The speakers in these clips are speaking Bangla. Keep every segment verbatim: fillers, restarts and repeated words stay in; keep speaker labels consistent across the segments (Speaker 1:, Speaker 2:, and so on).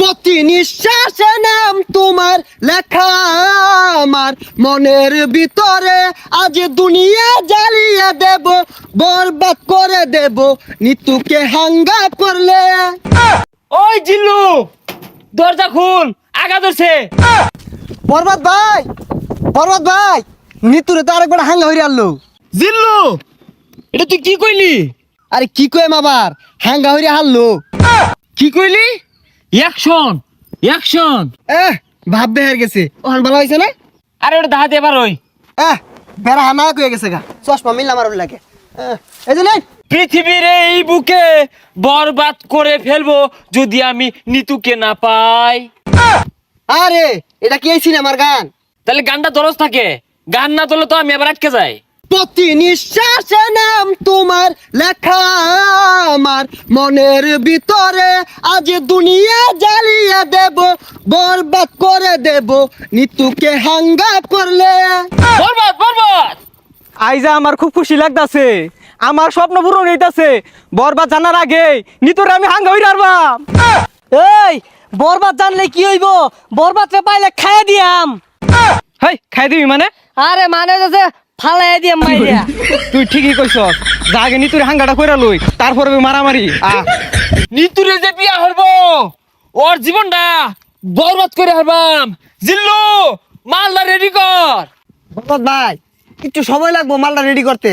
Speaker 1: প্রতি নিঃশ্বাসে নাম তোমার লেখা আমার মনের ভিতরে, আজ দুনিয়া জ্বালিয়ে দেব, বরবাদ করে দেব নিতুকে হাঙ্গা করলে।
Speaker 2: ওই জিল্লু, দরজা খুল, আগা ধরছে।
Speaker 1: বরবাদ ভাই, বরবাদ ভাই, নিতুরে তো আরেকবার হাঙ্গা হইরে আনলো।
Speaker 2: জিল্লু, এটা তুই কি কইলি?
Speaker 1: আরে কি কইম আবার, হাঙ্গা হইরে হারলো।
Speaker 2: কি কইলি? Action, action.
Speaker 1: এহ ভাব বের গেছে, ওখান ভালো হয়েছে না?
Speaker 2: আরে ওটা দাহাতে এবার ওই
Speaker 1: এহ বেড়া হানা কয়ে গেছে গা, চশমা মিললাম আর লাগে। এহ, এই যে নেই।
Speaker 2: পৃথিবীর এই বুকে বরবাদ করে ফেলবো যদি আমি নিতুকে না পাই।
Speaker 1: আরে এটা কি এই সিনেমার গান?
Speaker 2: তাহলে গানটা দরজ থাকে, গান না তোলে তো আমি আবার আটকে যাই।
Speaker 1: প্রতি নিঃশ্বাসে নাম তোমার লেখা আমার মনের ভিতরে, আজ দুনিয়া জ্বালিয়ে দেব, বরবাদ করে দেব নিতুকে হাঙ্গা করলে।
Speaker 2: বরবাদ, বরবাদ।
Speaker 3: আইজা আমার খুব খুশি লাগতাছে, আমার স্বপ্ন পূরণ হইতাছে। বরবাদ জানার আগে নিতরে আমি হাঙ্গা হই রারবাম।
Speaker 4: এই বরবাদ জানলে কি হইব? বরবাদ রে পাইলে খাইয়া দিয়াম।
Speaker 3: হেই খাই দিবি মানে?
Speaker 4: আরে মানে যে ফালাই দিয়াম মাইরিয়া।
Speaker 3: তুই ঠিকই কইছস, যা আগে নিতুরে হাঙ্গাটা কইরা লই, তারপরে মারামারি। আ
Speaker 2: নিতুরে যে বিয়া হরবো, ওর জীবনটা বরবাদ করে হারবাম। জিল্লু, মালদা রেডি কর।
Speaker 1: বরবাদ ভাই একটু সময় লাগবো মালটা রেডি করতে।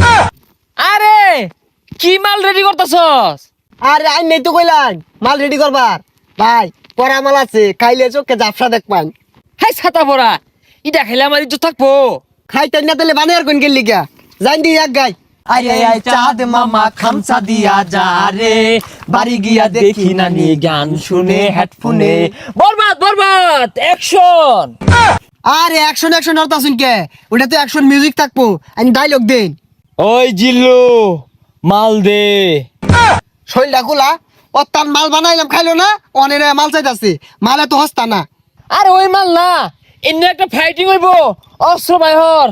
Speaker 2: আরে কি মাল রেডি করতেছস?
Speaker 1: আরে আই নেই তো কইলাম মাল রেডি করবার। ভাই পরা মাল আছে, খাইলে চোখে জাফসা দেখবান।
Speaker 2: হাই ছাতা পড়া, ইটা খেলে আমার ইজ্জত থাকবো।
Speaker 1: খাইতে না তাহলে বানিয়ার কোন গেলি গা, জান দি এক গাই।
Speaker 2: আরে আই চাঁদ মামা খামসা দিয়া যা রে, বাড়ি গিয়া দেখি নানি গান শুনে হেডফোনে। বরবাদ, বরবাদ, অ্যাকশন।
Speaker 1: আরে অ্যাকশন অ্যাকশন আর তাসুন কে, ওটা তো অ্যাকশন মিউজিক থাকবো, আমি ডায়লগ দেন।
Speaker 2: ওই জিল্লু, মাল দে।
Speaker 1: শৈলটা গুলা ও তার মাল বানাইলাম খাইলো না, অনেক মাল চাইতাছে, মালে তো হস্তা না।
Speaker 2: আরে ওই মাল না, এমনি একটা ফাইটিং হইব, অস্ত্র বাইহর।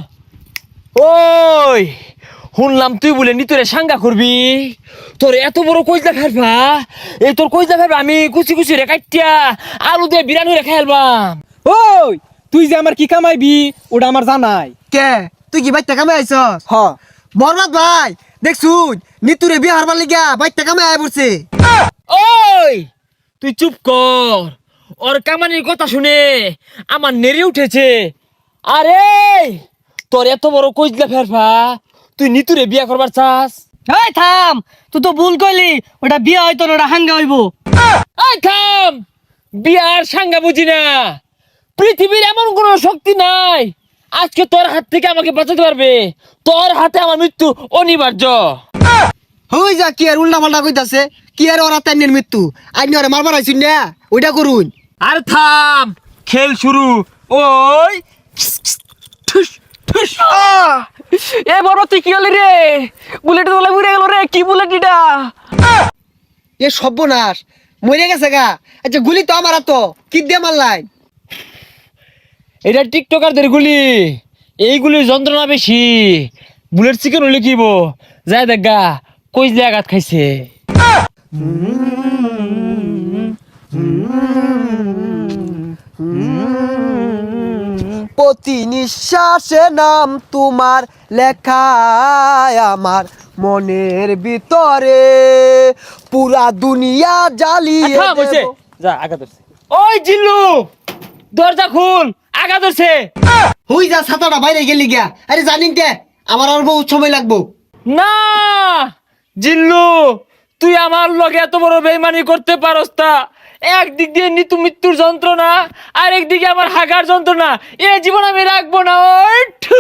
Speaker 2: ওই শুনলাম তুই বলে নিতরে সাঙ্গা করবি, তোর এত বড় কইজা ফেলবা, এই তোর কইজা ফেলবা আমি কুচি কুচি রে কাটিয়া আলু দিয়ে বিরানি রে খেলবাম।
Speaker 3: ওই তুই যে আমার কি কামাইবি ওটা আমার জানাই।
Speaker 1: কে তুই কি বাইতে কামে আইছস?
Speaker 3: হ
Speaker 1: বরবাদ ভাই দেখছুন নিতুরে বিয়ে হারবার লিগা বাইতে কামে আয় পড়ছে।
Speaker 2: ওই তুই চুপ কর, ওর কামানির কথা শুনে আমার নেড়ে উঠেছে। আরে তোর এত বড় কইজলা ফেরফা, তুই নিতুরে বিয়া করবার চাস?
Speaker 4: এই থাম, তুই তো ভুল কইলি, ওটা বিয়া হয়তো না, ওটা হাঙ্গা হইব।
Speaker 2: এই থাম, বিয়ার সাঙ্গা বুঝি না। পৃথিবীর এমন কোনো শক্তি নাই আজকে তোর হাত থেকে আমাকে বাঁচাতে পারবে। তোর হাতে আমার মৃত্যু অনিবার্য।
Speaker 1: হই যা কি আর উল্টা পাল্টা কইতাছে, কি আর ওরা তাইনের মৃত্যু, আইনি ওরা মারবার আইছুন না, ওইটা করুন।
Speaker 2: আর থাম, খেল শুরু। ওই ঠুস ঠুস।
Speaker 3: এ বরবাদ তুই কি হলি রে? বুলেট তোলা উড়ে গেল রে, কি বুলেট এটা?
Speaker 1: এ সর্বনাশ, মরে গেছে গা। আচ্ছা গুলি তো আমার তো কি দিয়ে মারলাই?
Speaker 2: এটা টিকটকারদের গুলি, এইগুলির যন্ত্রণা বেশি। বুলেট চিকেন হলে কিব যায় দেখা কই যে আঘাত খাইছে।
Speaker 1: প্রতি নিঃশ্বাসে নাম তোমার লেখা আমার মনের ভিতরে, পুরা দুনিয়া জ্বালিয়ে
Speaker 2: থাম হইছে,
Speaker 1: দেব।
Speaker 2: যা আঘাত ধরছে। ওই জিল্লু, দরজা খুল, আঘাত ধরছে।
Speaker 1: হই যা ছাতাটা বাইরে গেলি গা। আরে জানিন কে আমার আর বহুত সময় লাগবো।
Speaker 2: না জিল্লু, তুই আমার লগে এত বড় বেইমানি করতে পারস তা? একদিক দিয়ে নিতু মৃত্যুর যন্ত্রণা, আর একদিকে আমার হাগার যন্ত্রণা, এ জীবন আমি রাখবো না। ওই ঠু।